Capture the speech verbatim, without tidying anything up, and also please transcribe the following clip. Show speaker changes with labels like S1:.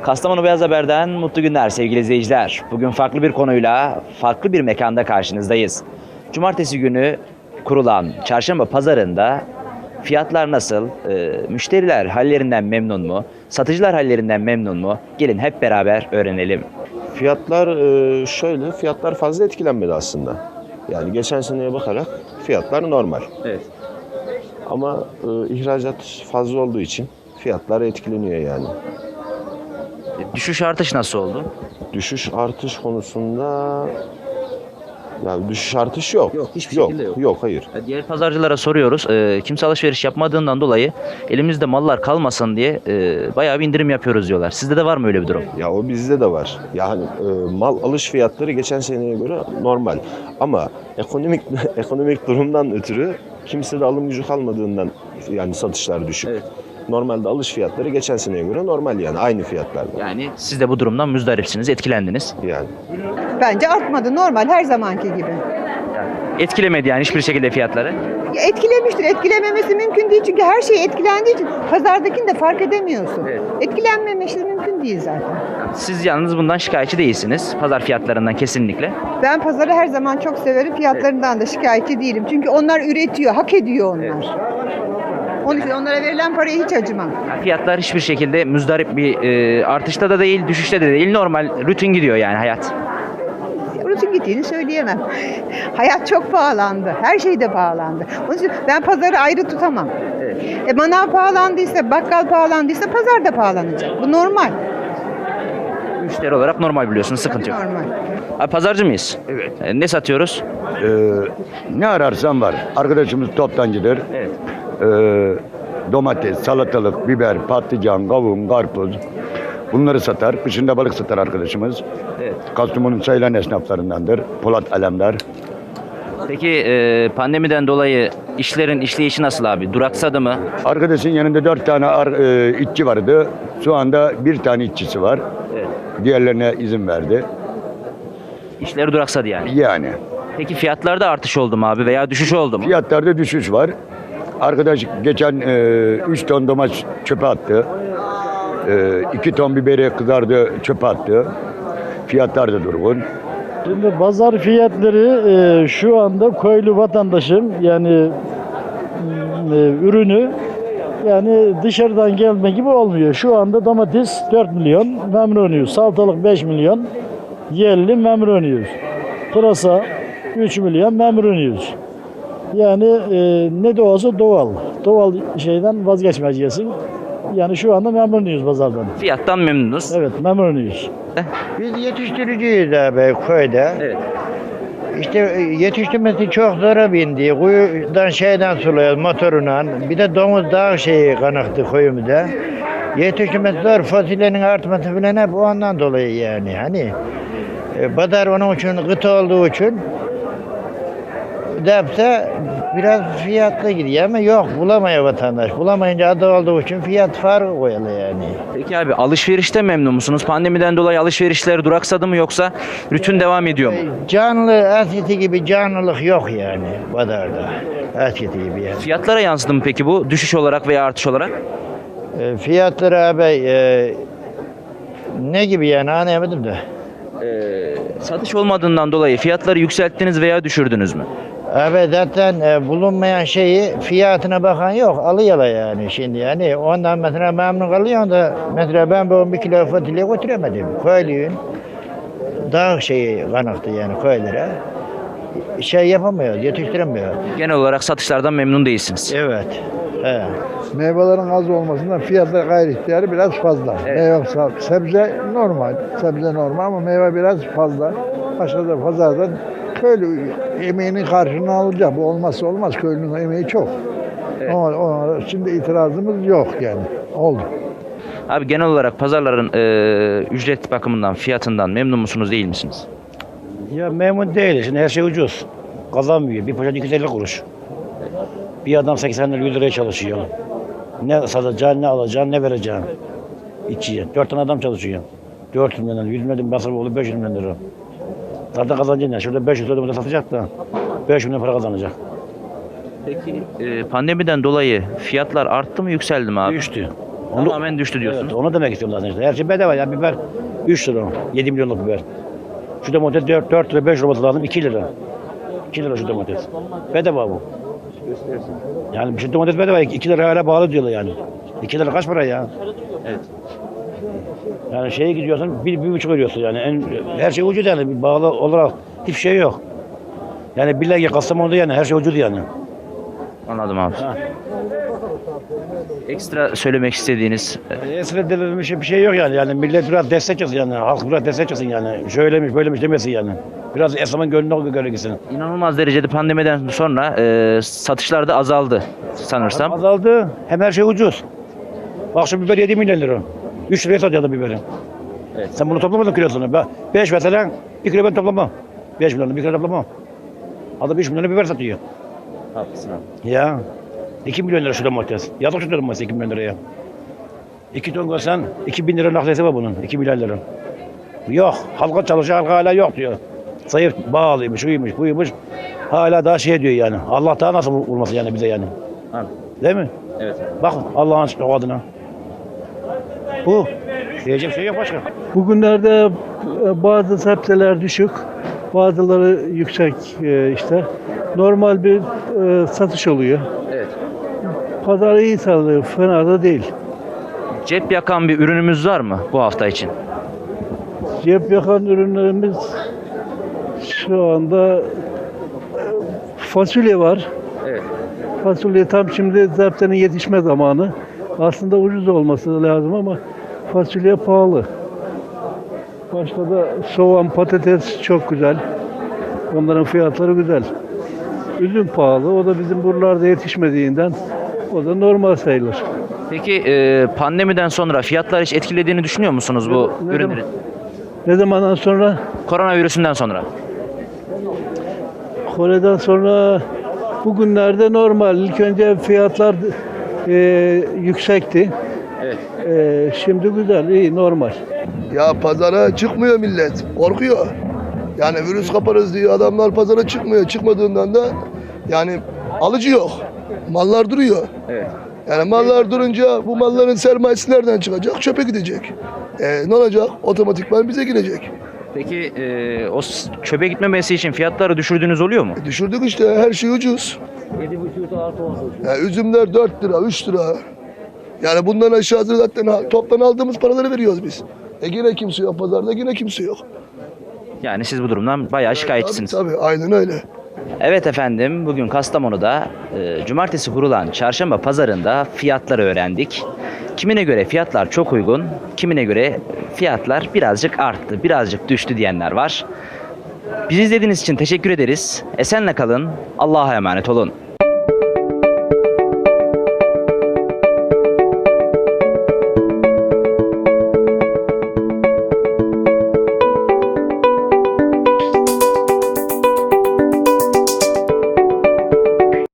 S1: Kastamonu Beyaz Haber'den mutlu günler sevgili izleyiciler. Bugün farklı bir konuyla, farklı bir mekanda karşınızdayız. Cumartesi günü kurulan çarşamba pazarında fiyatlar nasıl? Ee, müşteriler hallerinden memnun mu? Satıcılar hallerinden memnun mu? Gelin hep beraber öğrenelim.
S2: Fiyatlar e, şöyle, fiyatlar fazla etkilenmedi aslında. Yani geçen seneye bakarak fiyatlar normal.
S1: Evet.
S2: Ama e, ihracat fazla olduğu için fiyatlar etkileniyor yani.
S1: Düşüş artış nasıl oldu?
S2: Düşüş artış konusunda yani düşüş artış yok.
S1: Yok, hiçbir
S2: yok,
S1: şekilde yok.
S2: Yok, hayır.
S1: Diğer pazarcılara soruyoruz. Ee, kimse alışveriş yapmadığından dolayı elimizde mallar kalmasın diye e, bayağı bir indirim yapıyoruz diyorlar. Sizde de var mı öyle bir durum?
S2: Ya o bizde de var. Yani e, mal alış fiyatları geçen seneye göre normal. Ama ekonomik ekonomik durumdan ötürü kimse de alım gücü kalmadığından yani satışlar düşük.
S1: Evet.
S2: Normalde alış fiyatları geçen seneye göre normal yani aynı fiyatlarda.
S1: Yani siz de bu durumdan müzdaripsiniz, etkilendiniz.
S2: Yani
S3: Bence artmadı. Normal her zamanki gibi.
S1: Etkilemedi yani hiçbir şekilde fiyatları.
S3: Ya etkilemiştir. Etkilememesi mümkün değil. Çünkü her şey etkilendiği için pazardakini de fark edemiyorsun.
S1: Evet.
S3: Etkilenmemesi mümkün değil zaten.
S1: Siz yalnız bundan şikayetçi değilsiniz. Pazar fiyatlarından kesinlikle.
S3: Ben pazarı her zaman çok severim. Fiyatlarından da şikayetçi değilim. Çünkü onlar üretiyor. Hak ediyor onlar.
S1: Evet.
S3: Onun için onlara verilen paraya hiç acımam.
S1: Yani fiyatlar hiçbir şekilde müzdarip bir e, artışta da değil, düşüşte de değil. Normal, rutin gidiyor yani hayat.
S3: Rutin gittiğini söyleyemem. Hayat çok pahalandı. Her şey de pahalandı. Onun için ben pazarı ayrı tutamam.
S1: Evet.
S3: E manav pahalandıysa, bakkal pahalandıysa pazar da pahalanacak. Bu normal.
S1: Müşteri olarak normal biliyorsunuz, sıkıntı yok.
S3: Normal.
S1: Abi, pazarcı mıyız?
S4: Evet.
S1: E, ne satıyoruz?
S4: Ee, ne ararsan var. Arkadaşımız toptancıdır.
S1: Evet.
S4: Ee, domates, salatalık, biber, patlıcan, kavun, karpuz. Bunları satar. Kışında balık satar arkadaşımız.
S1: Evet.
S4: Kastamonu'nun sayılan esnaflarındandır. Polat Alemdar.
S1: Peki e, pandemiden dolayı işlerin işleyişi nasıl abi? Duraksadı mı?
S4: Arkadaşın yanında dört tane ar, e, işçi vardı. Şu anda bir tane işçisi var.
S1: Evet.
S4: Diğerlerine izin verdi.
S1: İşleri duraksadı yani.
S4: Yani
S1: Peki fiyatlarda artış oldu mu abi veya düşüş oldu mu?
S4: fiyatlarda düşüş var. Arkadaş geçen üç ton domates çöpe attı. iki ton biberi kızardı çöpe attı. Fiyatlar da durgun.
S5: Şimdi pazar fiyatları e, şu anda köylü vatandaşın yani e, ürünü yani dışarıdan gelme gibi olmuyor. Şu anda domates dört milyon memnunuyuz. Salatalık beş milyon yerli memnunuyuz. Pırasa üç milyon memnunuyuz. Yani e, ne de olsa doğal. Doğal şeyden vazgeçmeyeceksin. Yani şu anda memnunuyuz pazardan.
S1: Fiyattan memnunuz.
S5: Evet memnunuyuz.
S6: Biz yetiştiriciyiz abi köyde.
S1: Evet.
S6: İşte yetiştirmesi çok zora bindi. Kuyudan şeyden suluyoruz motoruna. Bir de domuz dağ şeyi kanaktı köyümüzde. Yetiştirmesi zor. Fasulyenin artması falan hep ondan dolayı yani. Hani e, pazar onun için kıta olduğu için depse biraz fiyatlı gidiyor ama yok bulamıyor vatandaş. Bulamayınca adı olduğu için fiyat farkı koyalı yani.
S1: Peki abi, alışverişte memnun musunuz? Pandemiden dolayı alışverişler duraksadı mı yoksa rutin devam ediyor mu?
S6: Canlı eskisi gibi canlılık yok yani pazarda. Eskisi gibi yani.
S1: Fiyatlara yansıdı mı peki bu? Düşüş olarak veya artış olarak?
S6: E, fiyatları abi e, ne gibi yani anlayamadım da.
S1: Ee, satış olmadığından dolayı fiyatları yükselttiniz veya düşürdünüz mü?
S6: Abi zaten e, bulunmayan şeyi fiyatına bakan yok. Alıyorlar yani şimdi yani. Ondan mesela memnun kalıyorsun da mesela ben bu bir kilo fasulye götüremedim. Köylüyün dağ şeyi kanaktı yani köylere. Şey yapamıyor, yetiştiremiyor.
S1: Genel olarak satışlardan memnun değilsiniz.
S6: Evet. He.
S7: Meyvelerin az olmasından fiyatlar gayri ihtiyarı biraz fazla.
S1: Evet.
S7: Meyve, sebze normal, sebze normal ama meyve biraz fazla. Başka da pazardan köylü emeğinin karşılığını alacak. Bu olmazsa olmaz. Köylünün emeği çok.
S1: Evet.
S7: Ama ona şimdi itirazımız yok yani. Oldu.
S1: Abi, genel olarak pazarların e, ücret bakımından, fiyatından memnun musunuz, değil misiniz?
S5: Ya memnun değiliz. Şimdi her şey ucuz. Kazanmıyor. Bir poşet iki yüz elli kuruş. Bir adam seksen lira yüz liraya çalışıyor. Ne satacaksın, ne alacaksın, ne vereceksin içiye. Dört tane adam çalışıyor. Dört milyon lira, yüz milyon lira masraf olur, beş yüz milyon lira. Zaten kazancın ne? Şurada beş yüz lira satacak da beş milyon para kazanacak.
S1: Peki e, pandemiden dolayı fiyatlar arttı mı, yükseldi mi abi?
S5: Düştü.
S4: Onu,
S1: Tamamen düştü diyorsunuz.
S4: evet, onu demek istiyorum zaten işte. Her şey bedava ya. Biber üç lira. yedi milyonluk biber. Şu domates dört, dört lira beş lira olması lazım. iki lira. iki lira şu domates. Bedava bu. Yani şu domates bedava. iki lira hala bağlı diyorlar yani. iki lira kaç para ya?
S1: Evet.
S4: Yani şeye gidiyorsun bir, bir buçuk veriyorsun yani. En, her şey ucuz yani. Bir bağlı olarak hiçbir şey yok. Yani billahi Kastamonu'da yani her şey ucuz yani.
S1: Anladım abi.
S4: Ha.
S1: Ekstra söylemek istediğiniz
S4: Esra denilen bir şey, bir şey yok yani. Yani millet biraz destek çıksın yani. Halk biraz destek çıksın yani. Şöylemiş böylemiş demesin yani. Biraz esnafın gönlüne göre gitsin.
S1: inanılmaz derecede pandemiden sonra e, satışlar da azaldı sanırsam.
S4: Azaldı. Hem her şey ucuz. Bak şu biber yedi milyon lira. üç liraya satıyordu biberi.
S1: Evet.
S4: Sen bunu toplamadın kilosunu. Ben beş mesela bir kilo ben toplamam. beş milyonu bir kilo toplamam. Adam üç milyonu biber satıyor.
S1: Haklısın abi.
S4: Ya. iki milyon lira şu domates. Yazık şu domates iki milyon liraya. iki ton koysan iki bin lira nakliyesi var bunun. iki milyar lira. Yok. Halka çalışıyor, halka hala yok diyor. Zayıf bağlıymış, uyumuş, buymuş. Hala daha şey diyor yani. Allah daha nasıl vurması yani bize yani.
S1: Abi.
S4: Değil mi?
S1: Evet.
S4: Bak Allah'ın o adına. Bu. Diyecek şey yok başka.
S5: Bugünlerde e, bazı sebzeler düşük, bazıları yüksek e, işte. Normal bir e, satış oluyor.
S1: Evet.
S5: Pazar iyi sağlıyor, fena da değil.
S1: Cep yakan bir ürünümüz var mı bu hafta için?
S5: Cep yakan ürünlerimiz şu anda e, fasulye var.
S1: Evet.
S5: Fasulye tam şimdi zeptenin yetişme zamanı. Aslında ucuz olması lazım ama fasulye pahalı. Başka da soğan, patates çok güzel. Onların fiyatları güzel. Üzüm pahalı. O da bizim buralarda yetişmediğinden o da normal sayılır.
S1: Peki e, pandemiden sonra fiyatlar hiç etkilediğini düşünüyor musunuz bu
S5: Ne- ne
S1: ürünlerin?
S5: Ne zamandan sonra?
S1: Koronavirüsünden sonra.
S5: Kore'den sonra bugünlerde normal. İlk önce fiyatlar e, yüksekti.
S1: Evet.
S5: E, şimdi güzel, iyi, normal.
S8: Ya pazara çıkmıyor millet. Korkuyor. Yani virüs kaparız diye adamlar pazara çıkmıyor. Çıkmadığından da yani alıcı yok. Mallar duruyor.
S1: Evet.
S8: Yani mallar durunca bu malların sermayesi nereden çıkacak? Çöpe gidecek. E, ne olacak? Otomatikman bize girecek.
S1: Peki e, o s- çöpe gitmemesi için fiyatları düşürdüğünüz oluyor mu?
S8: E, düşürdük işte her şey ucuz. Ya, üzümler dört lira, üç lira. Yani bundan aşağısı zaten ha- toptan aldığımız paraları veriyoruz biz. E yine kimse yok pazarda, yine kimse yok.
S1: Yani siz bu durumdan bayağı şikayetçisiniz.
S8: Tabii, tabii aynen öyle.
S1: Evet efendim, bugün Kastamonu'da e, cumartesi kurulan çarşamba pazarında fiyatları öğrendik. Kimine göre fiyatlar çok uygun, kimine göre fiyatlar birazcık arttı, birazcık düştü diyenler var. Bizi izlediğiniz için teşekkür ederiz. Esenle kalın, Allah'a emanet olun.